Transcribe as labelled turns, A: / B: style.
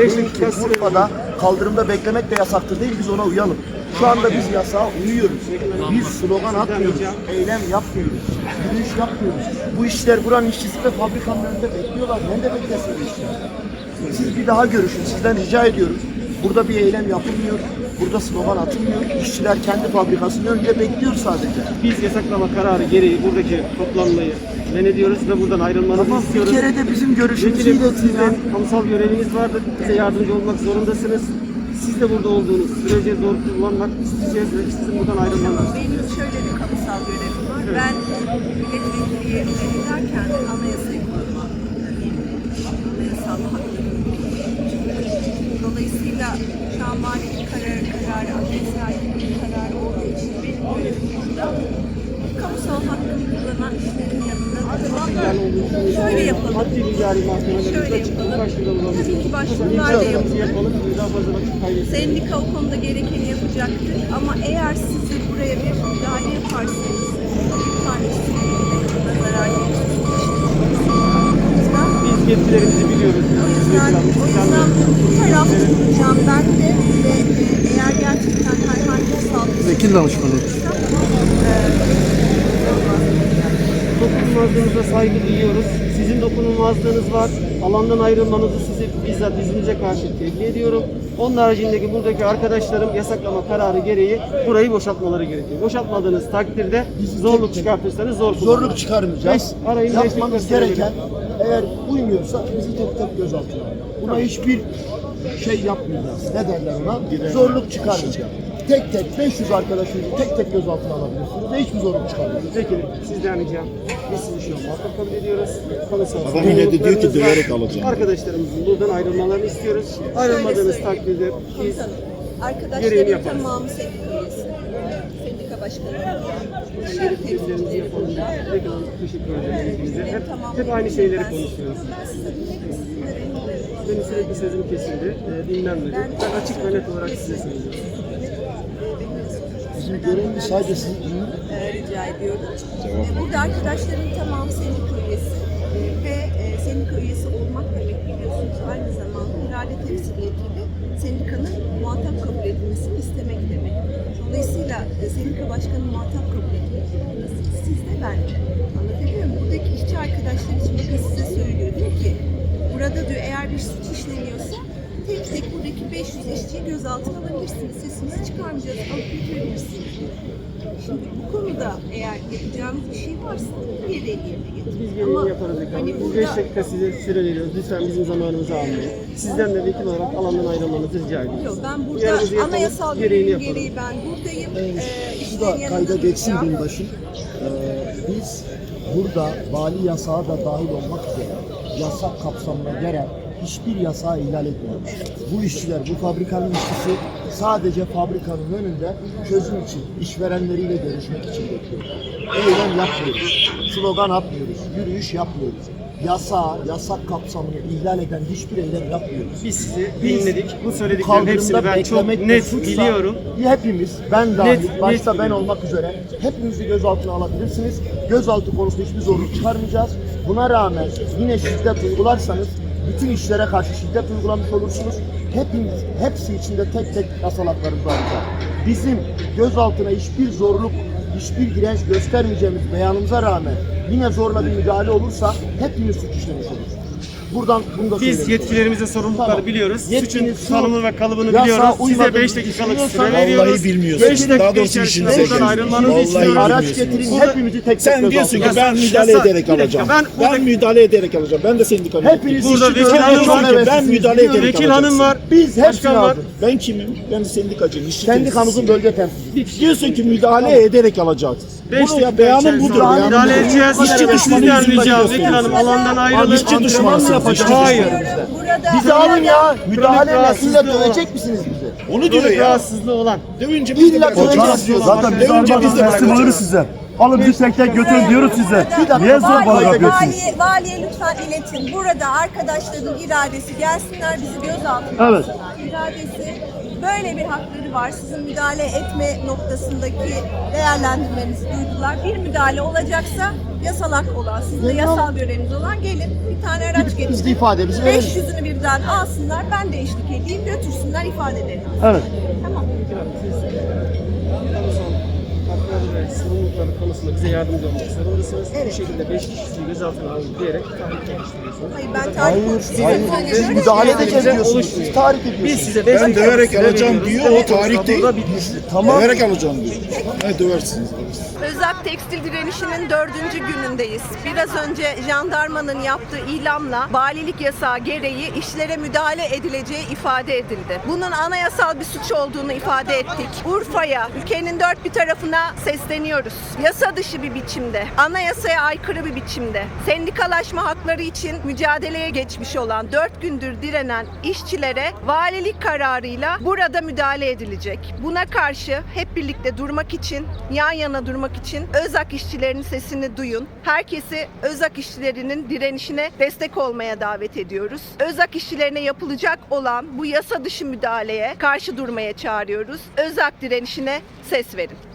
A: 5 dakika süre.
B: Urfa'da kaldırımda beklemek de yasaktır değil, biz ona uyalım. Şu anda biz yasağa uyuyoruz. Biz slogan atmıyoruz, eylem yapmıyoruz, yürüyüş yapmıyoruz. Bu işler buranın işçisi ve fabrikanın önünde bekliyorlar. Ne de beklesin bu işler? Siz bir daha görüşün, sizden rica ediyoruz. Burada bir eylem yapılmıyor, burada slogan atılmıyor. İşçiler kendi fabrikasının önünde bekliyor sadece.
A: Biz yasaklama kararı gereği buradaki toplanmayı men ediyoruz ve buradan ayrılmanızı
B: Ama bir
A: istiyoruz.
B: kere de bizim görüşümüzü
A: Vekilim,
B: iletin ya.
A: sizden kamusal göreviniz vardır. Bize yardımcı olmak zorundasınız. Siz de burada olduğunuz sürece zor kullanmak isteyeceğiz ve sizin buradan ayrılmanız.
C: Benim şöyle bir kamusal görevim var.
A: Evet.
C: Ben milletvekili yerine giderken anayasayı korumak, anayasal haklarını. Dolayısıyla şu an mali bir kararı, anayasal bir kararı olduğu için benim görevim burada. Kamusal hakkını kullanan işlerin yanında durmak. Şöyle yapalım.
A: Maddi bir cari mahkemelerimiz
C: Şöyle
A: açık.
C: yapalım.
A: Başvuralım.
C: Tabii ki başvurular da
A: İmzalarımızı
C: yapalım.
A: yapalım. Daha fazla vakit kaybetmeyelim.
C: Sendika o konuda gerekeni yapacaktır ama eğer siz de buraya bir müdahale yaparsanız lütfen işçilerine zarar gelirsiniz.
A: Biz yetkilerimizi biliyoruz.
C: O yüzden bu taraf tutacağım ben de ve eğer gerçekten herhangi bir saldırı
B: Vekil danışmanı.
A: Dokunulmazlığınıza saygı duyuyoruz. Sizin dokunulmazlığınız var. Alandan ayrılmanızı size bizzat izninize karşı tebliğ ediyorum. Onun haricindeki buradaki arkadaşlarım yasaklama kararı gereği burayı boşaltmaları gerekiyor. Boşaltmadığınız takdirde zorluk çıkartırsanız
B: Zorluk çıkarmayacağız.
A: Arayın,
B: Yapmamız
A: beş dakika
B: gereken, eğer uymuyorsa bizi tek tek gözaltına alın. Buna hiçbir şey yapmayacağız. Ne derler ona? Zorluk çıkarmayacağız. Tek tek 500 arkadaşımızı tek tek gözaltına alabilirsiniz ve hiçbir zorluk çıkarmayacağız.
A: Peki sizden ricam. Biz sizi şu an muhatap kabul ediyoruz.
D: Adam yine de diyor ki döverek alacağım.
A: Arkadaşlarımızın buradan ayrılmalarını istiyoruz. Ayrılmadığınız takdirde biz
C: Komutanım,
A: gereğini
C: arkadaşların
A: yaparız.
C: tamamı sendika üyesi. Sendika başkanı.
A: Teşekkürlerimizi yapalım. Tekrar teşekkür ederim ilginize. Hep aynı şeyleri konuşuyoruz. Benim sürekli sözüm kesildi, dinlenmedi. Ben açık ve net olarak size söylüyorum.
B: Bizim görevimiz sadece sizi dinlemek.
C: Rica ediyorum. Burada arkadaşların tamamı sendika üyesi ve sendika üyesi olmak demek biliyorsunuz aynı zamanda irade temsiliyetiyle sendikanın muhatap kabul edilmesini istemek demek. Dolayısıyla sendika başkanı muhatap kabul etmek siz de ben de. Anlatabiliyor muyum? Buradaki işçi arkadaşlar için bakın size söylüyor. Diyor ki burada diyor eğer bir suç işleniyorsa tek tek buradaki 500 işçiyi gözaltına alabilirsiniz. Sesinizi çıkarmayacağız, alıp götürebilirsiniz. Şimdi bu konuda eğer yapacağınız bir şey varsa bir de yerine getirin.
A: Biz gereğini yaparız efendim.
C: hani
A: Biz 5 dakika size süre veriyoruz. Lütfen bizim zamanımızı almayın. Sizden de vekil olarak alandan ayrılmanızı rica ediyoruz.
C: Yok, ben
A: Uyarımızı
C: burada
A: yapalım,
C: anayasal
A: gereğini
C: görevim
A: yapalım.
C: gereği ben buradayım.
B: Şu
C: İşlerin
B: da
C: yanında
B: kayda geçsin
C: duracağım.
B: binbaşım. Biz burada vali yasağı da dahil olmak üzere yasak kapsamına gelen hiçbir yasağı ihlal etmiyoruz. Bu işçiler, bu fabrikanın işçisi sadece fabrikanın önünde çözüm için, işverenleriyle görüşmek için bekliyor. Eylem yapmıyoruz, slogan atmıyoruz, yürüyüş yapmıyoruz. Yasak kapsamını ihlal eden hiçbir eylem yapmıyoruz.
A: Biz sizi
B: Biz
A: dinledik. Bu
B: bu
A: söylediklerin hepsini
B: kaldırımda
A: ben çok
B: beklemek de
A: net
B: suçsa,
A: biliyorum.
B: Hepimiz, ben dahil,
A: Net
B: başta ben
A: biliyorum.
B: olmak üzere hepimizi gözaltına alabilirsiniz. Gözaltı konusunda hiçbir zorluk çıkarmayacağız. Buna rağmen yine şiddet uygularsanız bütün işlere karşı şiddet uygulamış olursunuz. Hepsi içinde tek tek yasal haklarımızı alacağız. Bizim gözaltına hiçbir zorluk, hiçbir direnç göstermeyeceğimiz beyanımıza rağmen yine zorla bir müdahale olursa hepimiz suç işlemiş oluruz. Buradan bunu da
A: Biz
B: söyleyelim.
A: yetkilerimize sorumlulukları
B: Tamam.
A: biliyoruz. Suçun
B: Yetkiniz şu,
A: tanımını ve kalıbını
B: yasağa
A: biliyoruz. Size
B: uymadığınızı
A: 5 dakikalık süre
B: düşünüyorsan-
A: veriyoruz.
D: Vallahi bilmiyorsun.
A: 5 dakika
D: Daha doğrusu
A: içerisinde
D: işinize
A: buradan
D: gelmiyor.
A: ayrılmanızı
D: Vallahi
A: istiyoruz.
B: Araç
D: bilmiyorsunuz.
B: getirin,
A: Burada-
B: hepimizi tek tek
D: Sen diyorsun ki ben müdahale
A: Yasak-
D: ederek
A: bir dakika,
D: alacağım.
A: ben burada-
D: Ben müdahale ederek alacağım. Ben de sendikanın
B: Hepiniz
A: Burada
B: işçi
A: vekil
B: görevli
A: hanım
B: olmak
A: var.
D: Ben
B: heveslisiniz,
D: müdahale
B: biliyorum.
D: ederek
A: Vekil hanım var.
B: Biz hepsini
A: Başkan var.
B: aldık.
D: Ben kimim? Ben sendikacıyım. işçi
B: Sendikamızın
D: temsilcisiyim.
B: bölge temsilcisi.
D: Diyorsun ki müdahale ederek alacağız.
A: Beş
D: Bunu ya
A: dakika
D: beyanım
A: içerisinde
D: budur.
A: buradan
D: Beyanım
A: müdahale
D: budur.
A: edeceğiz.
D: İşçi düşmanı
A: Sizden
D: yüzünden
A: ricam
D: gösteriyorsun.
A: Vekil hanım alandan ayrılın.
D: işçi düşmanı
B: Antrenman mı
D: yapacağız?
B: yapacağız?
A: Hayır.
C: Burada
B: Bizi alın ya. Müdahale
A: rahatsızlığı
B: illa
A: olan.
B: dövecek misiniz bizi?
D: Onu diyor
A: Kronik
D: ya.
A: rahatsızlığı olan.
D: Dövünce biz de
B: İlla
D: bırakacağız.
B: döveceğiz diyor.
E: Zaten biz
D: Dövünce biz de
E: teslim alırız
D: bırakacağız.
E: size. Alın bizi tek tek götürün diyoruz size.
B: dakika,
E: Niye zor bana
B: valiye-
E: yapıyorsunuz?
C: Valiye lütfen iletin. Burada arkadaşların iradesi gelsinler bizi gözaltına
B: Evet.
C: alsınlar. İradesi Böyle bir hakları var. Sizin müdahale etme noktasındaki değerlendirmenizi duydular. Bir müdahale olacaksa yasal hak olan, sizin de yasal göreviniz olan gelin bir tane araç
B: Biz de
C: getirin.
B: ifademizi verelim.
C: 500'ünü birden alsınlar, ben de eşlik edeyim, götürsünler ifadeleri.
E: Evet.
C: Tamam.
A: Kamusal hakları ve sorumlulukları konusunda bize yardımcı olmak zorundasınız.
C: Evet.
A: Bu şekilde 5 kişiyi gözaltına alın diyerek tahrik geliştiriyorsunuz.
C: Hayır, ben tarih
B: Hayır,
C: konusunda
B: hayır.
C: sadece
B: Siz
C: şöyle
B: müdahale
C: söyleyeyim.
B: edeceğiz diyorsunuz.
A: oluşmuyor.
B: Siz tahrik ediyorsunuz.
A: Biz size 5
D: Ben döverek alacağım diyor, o tahrik değil.
B: Tamam.
D: Döverek alacağım diyor. Ne döversiniz?
C: Özak tekstil direnişinin 4. günündeyiz. Biraz önce jandarmanın yaptığı ilamla valilik yasağı gereği işlere müdahale edileceği ifade edildi. Bunun anayasal bir suç olduğunu ifade ettik. Urfa'ya, ülkenin dört bir tarafına sesleniyoruz. Yasa dışı bir biçimde, anayasaya aykırı bir biçimde, sendikalaşma hakları için mücadeleye geçmiş olan 4 gündür direnen işçilere valilik kararıyla burada müdahale edilecek. Buna karşı hep birlikte durmak için, yan yana durmak için Özak işçilerinin sesini duyun. Herkesi Özak işçilerinin direnişine destek olmaya davet ediyoruz. Özak işçilerine yapılacak olan bu yasa dışı müdahaleye karşı durmaya çağırıyoruz. Özak direnişine ses verin.